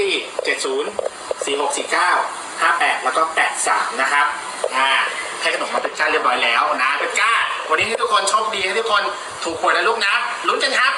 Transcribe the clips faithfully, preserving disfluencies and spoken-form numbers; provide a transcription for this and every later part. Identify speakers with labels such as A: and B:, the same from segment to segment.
A: เจ็ดศูนย์ สี่หกสี่เก้า ห้าแปดแล้วก็แปดสามนะครับอ่าให้ขนมมาเป็นก้าเรียบร้อยแล้วนะเป็นก้าวันนี้ให้ทุกคนโชคดีให้ทุกคนถูกหวยนะลูกนะลุ้นกันครับ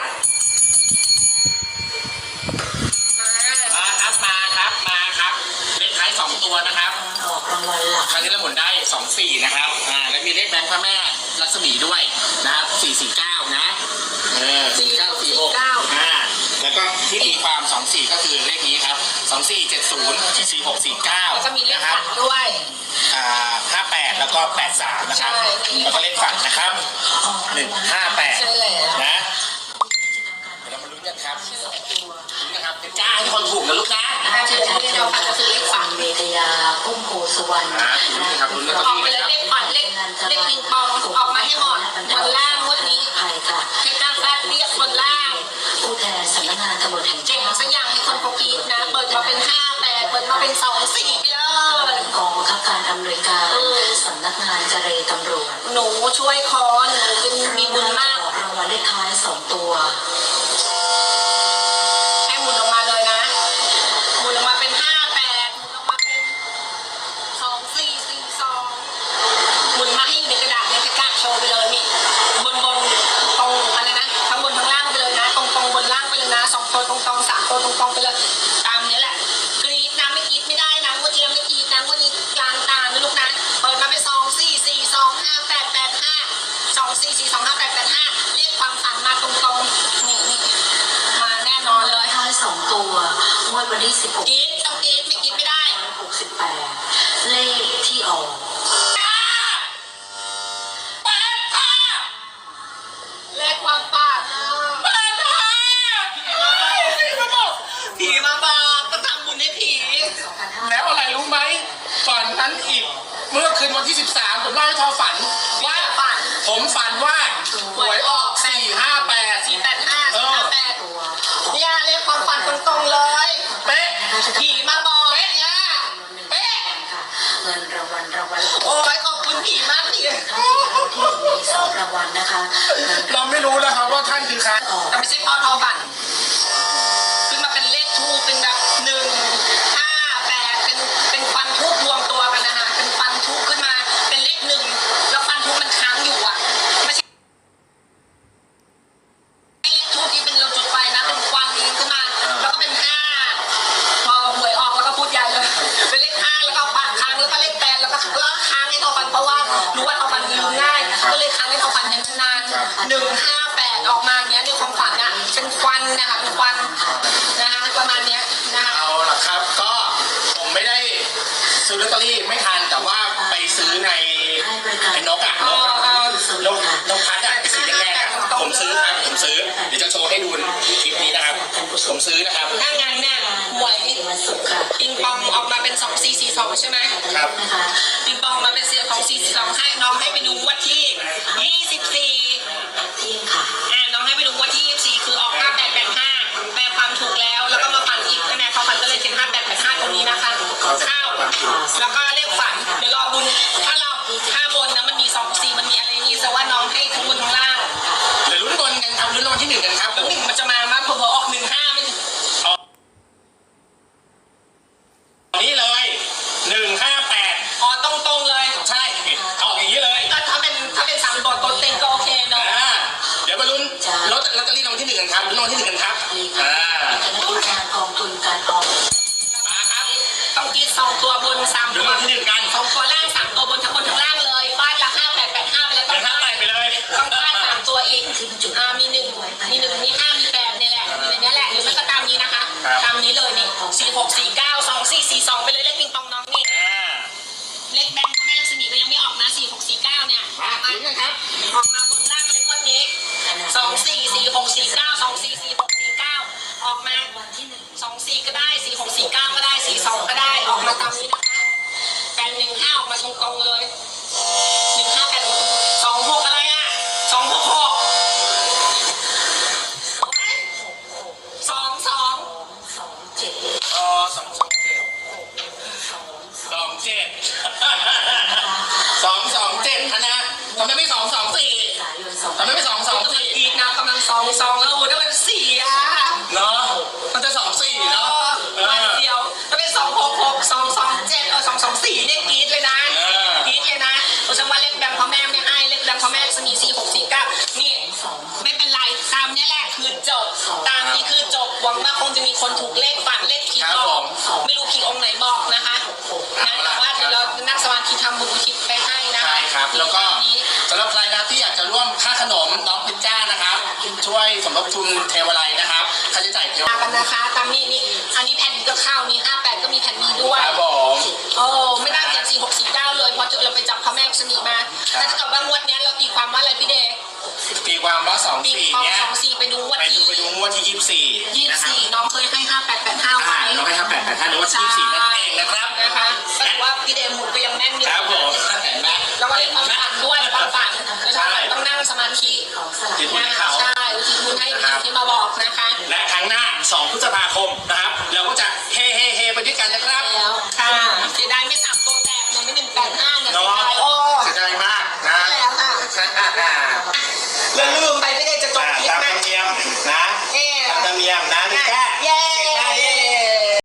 A: มาครับมาครับมาครับเลขท้ายสองตัวนะครับ
B: ออกรางวัลหลัก
A: ครั้งนี้เราหมุนได้สองสี่นะครับอ่าแล้วมีเลขแบงค์พระแม่ลักษมีด้วยนะครับสี่สี่เก้านะเออสี่เก้าสี่หกอ่าแล้วก็ที่ตีความสองสี่ก็คือเลขนี้ครับสองสี่เจ็ดศูนย์สี่หกสี่เก้า
C: แล้วก็มีเลขฝันด้วย
A: อ่าห้าแปดแล้วก็แปดสามนะครับแล้วก็เลขฝันนะครับหนึ่งห้าแปดนะเดี๋ยวเรามาลุ้นกันครับลุ้นนะครับเป็นจ้าให้คนถูกนะลูกนะ
C: เชิญที่เราฝันก็คือเลขฝัน
B: เมตยาพุ่มโพสุวรรณ
A: นะครับลุ้นกัน
C: ออกมาเลยเลขฝันเลขเลขปิงปองออกมาให้หมดบนล่างงวดนี้ให้กล้าฟาดเรียกบนล่าง
B: ผู้แทนสำนักงานตำรวจแห่งชาติ
C: เจ๋งสักอย่างให้คนโปกีนะเปิดมาเป็นห้าแปดเปิดมาเป็นสองสี่ไปเลย
B: กองบังคับการอำนวยการสำนักงานเจรตำรวจ
C: หนูช่วยคอหนูเป็นมีบุญมาก
B: รางวัลเลขท้ายสองตัว
C: ให้หมุนออกมาเลยนะหมุนออกมาเป็นห้าแปดหมุนออกมาเป็นสองสี่สี่สองหมุนมาให้อยู่ในกระดาษในกระดาษโชว์ไปเลยนี่บนบนตรงอะไรนะทั้งบนทั้งล่างไปเลยนะตรงตรงบนล่างไปเลยนะสองตัวตรงตรงสามตัวตรงตรงไปเลยตามนี้แหละกรีดนะไม่กรีดไม่ได้นะงวดที่แล้วไม่กรีดนะงวดนี้กลางตานะลูกนะเปิดมาเป็นสองสี่สี่สองห้าแปดแปดห้าสองสี่สี่สองห้าแปดแปดห้าเลขความฝันมาตรงตรงนี่นี่มาแน่นอนเลย
B: ท้ายสองตัวงวดวันที่สิบหก
C: กรีดต้องกรีดไม่กรีดไม่ได้
B: หกสิบแปดเลขที่ออก
C: เลขความฝันผีมาบอกก็ทำบุญให้ผี
A: แล้วอะไรรู้ไหมก่อนนั้นอีกเมื่อคืนวันที่สิบสามผมเล่าให้ทอฝันว่า
C: ฝัน
A: ผมฝันว่าหวยออกสี่ห้าแปด
C: สี่แปดห้าสี่ห้าแปดเนี่ยเลขความฝันตรงๆเลย
A: เป๊ะ
C: ผีมาบอกเนี่ยเป๊ะ
B: เงินรางวัลรางวัล
C: โอ้ยขอบคุณผีมากผี
B: ที่มีสองรางวัลนะคะ
A: เราไม่รู้นะครับว่าท่านคือใคร
C: แต่ไม่ใช่พ่อทอฝันขึ้นมาเป็นเลขทูเป็นแบบหนึ่งห้าแปดเป็นเป็นฟันทูบรวมตัวกันนะฮะเป็นฟันทูบขึ้นมาเป็นเลขหนึ่งแล้วฟันทูบมันค้างอยู่อ่ะไม่ใช่เลขทูบที่เป็นเราจุดไฟนะเป็นควันขึ้นมาแล้วก็เป็นห้าพอหวยออกแล้วก็พูดใหญ่เลยเป็นเลขห้าแล้วก็ปัดค้างแล้วก็เลขแปดแล้วก็แล้วค้างให้ทอฟันเพราะว่ารู้ว่าทอฟันลืมง่ายก็เลยค้างให้ทอฟันนานๆหนึ่งห้าแปดออกมาเนี้ยในความฝันอ่ะเป็นควันนะคะเป็นควันนะคะประมาณเนี้ยนะคะ
A: เอาล่ะครับก็ผมไม่ได้ซื้อลอตเตอรี่ไม่ทันแต่ว่าไปซื้อในไอ้นกอ่ะนกนกนกพัดอ่ะสีแดงๆอ่ะผมซื้อครับผมซื้อเดี๋ยวจะโชว์ให้ดูคลิปนี้นะครับผมซื้อนะครับ
C: ถ้างานเนี่ยหวยปิงปองออกมาเป็นสองสี่สี่สองใช่ไหม
A: ครับ
C: ปิงปองมาเป็นเสียของสี่สี่สองให้น้องให้ไปดูวันที่ยี่สิบสี่
B: ที่ค่ะ
C: อ่าน้องให้ไปดูวันที่ยี่สิบสี่คือออกห้าแปดแปดห้าแปลความถูกแล้วแล้วก็มาฝันอีกคะแนนเขาฝันก็เลยเป็นห้าแปดแปดห้าตรงนี้นะคะข้าวแล้วก็เลขฝันเดี๋ยวรอบุญถ้าเราถ้าบนนะมันมีสองสี่มันมีอะไรนี่แต่ว่าน้องให้ทั้งบนทั้งล่าง
A: เดี๋ยวลุ้นบนกันครับลุ้นรางวัลที่หนึ่งกันครับ
C: หนึ่งมันจะมามาพอออกหนึ่งห้าไม่ถึง
A: นี่เลยหนึ่งห้าแปด
C: อ๋อตรงตรงเลย
A: ใช่ออกอย่างนี้เลย
C: ก็ถ้าเป็นถ้าเป็นสามตัวตัวเต็งก็โอเคเนาะ
A: เดี๋ยวมาลุ้นลอตเตอรี่รางวัลที่หนึ่งกันครับลุ้นรางวัลที่หนึ่งกันครับ
B: อ่าคณะกรรมการกองทุนการออม
C: มาครับต้องกินสองตัวบนสามตัว
A: ที่หนึ่งกัน
C: สองตัวล่างสามตัวบนทั้งบนทั้งล่างเลยฟาดละห้าแปดแปดห้าไปแล้วต้อง
A: ฟาดไปเลย
C: ต้องฟาดสามตัวอีกอ่ามีหนึ่งมีหนึ่งมีห้ามีแปดนี่แหละอยู่ในนี้แหละหรือไม่ก็ตามนี้นะคะตามนี้เลยนี่สี่หกสี่เก้าสองสี่สี่สองไปเลยเลขปิงปองน้องนี่เลขแบงค์แม่ลักษมีก็ยังไม่ออกนะสี่หกสี่เก้าเนี่ย
A: มาถึงกันครับ
C: ออกมาบนล่างเลยงวดนี้สองสี่สี่หกสี่เก้าสองสี่สี่หกสี่เก้าออกมา
B: วันที่หนึ่ง
C: สองสี่ก็ได้สี่หกสี่เก้าก็ได้สี่สองก็ได้ออกมาตามนี้นะคะแปดหนึ่งห้าออกมาตรงๆเลยหนึ่งห้าแปดสองหกอะไรอ่ะสองหกหกสองสอง
B: สองเจ็ด
A: อ๋อสองสองเจ็ดสองเจ็ดสองสองเจ็ดนะทำไมไม่สองสองสี่ทำไมไม่สองสองสี่
C: อีกนะกำลังสองสองแล้วโอ้ยได้เป็นสี่อ่ะ
A: เนาะมันจะสองสี่เนาะ
C: ตามเนี้ยแหละคือจบตามนี้คือจบหวังว่าคงจะมีคนถูกเลขฝันเลขผีบอกไม่รู้ผีองค์ไหนบอกนะคะนะแต่ว่าเดี๋ยวเรานั่งสมาธิทำบุญอุทิศไปให้นะ
A: ใช่ครับแล้วก็สำหรับใครนะครับที่อยากจะร่วมค่าขนมน้องเพชรจ้านะครับ ช่วยสมทบทุนเทวไลนะครับค่าใช้จ่ายเทว
C: มากันนะคะตามนี้นี่อันนี้แผ่นนี้ก็เข้านี่ห้าแปดก็มีแผ่นนี้ด้วย
A: ครับผม
C: โอ้ไม่น่าเสียสี่หกสี่เก้าเลยพอเราไปจับพระแม่อุศนีมาแต่ถ้าเกิดว่างวดเนี้ยเราตีความว่าอะไรพี่เดย์
A: ตีความว่าสอง
C: ตี
A: สี่
C: ความ
A: เนี้ย
C: สองสี่ไปดูงวด
A: ไปดู
C: ที่
A: ไปดูงวดที่ยี่สิบสี่
C: ยี่สิ
A: นะ
C: บ
A: ครับ
C: สี่น้องเคยให้ห้าแปดแปดห้า
A: อ่า
C: ไว้
A: เราให้ครับแปดแปดท่านงวดที่ยี่สิบสี่นั่นเองนะครับ
C: นะคะก็ถือว่าพี่เดย์หมุนก็ยังแม่นอยู่
A: ครับผมเห็นไหม
C: แล้วก็
A: เห็น
C: ความ
A: ไหม
C: ฝันด้วยความฝัน
A: ใช่
C: ต้องนั่งสมาธิ
B: ของสลาก
A: จิตบุญให้เขา
C: ใช่อุทิศบุญให้ผีที่มาบอกนะคะ
A: และครั้งหน้าสองพฤษภาคมนะครับ เราก็จะ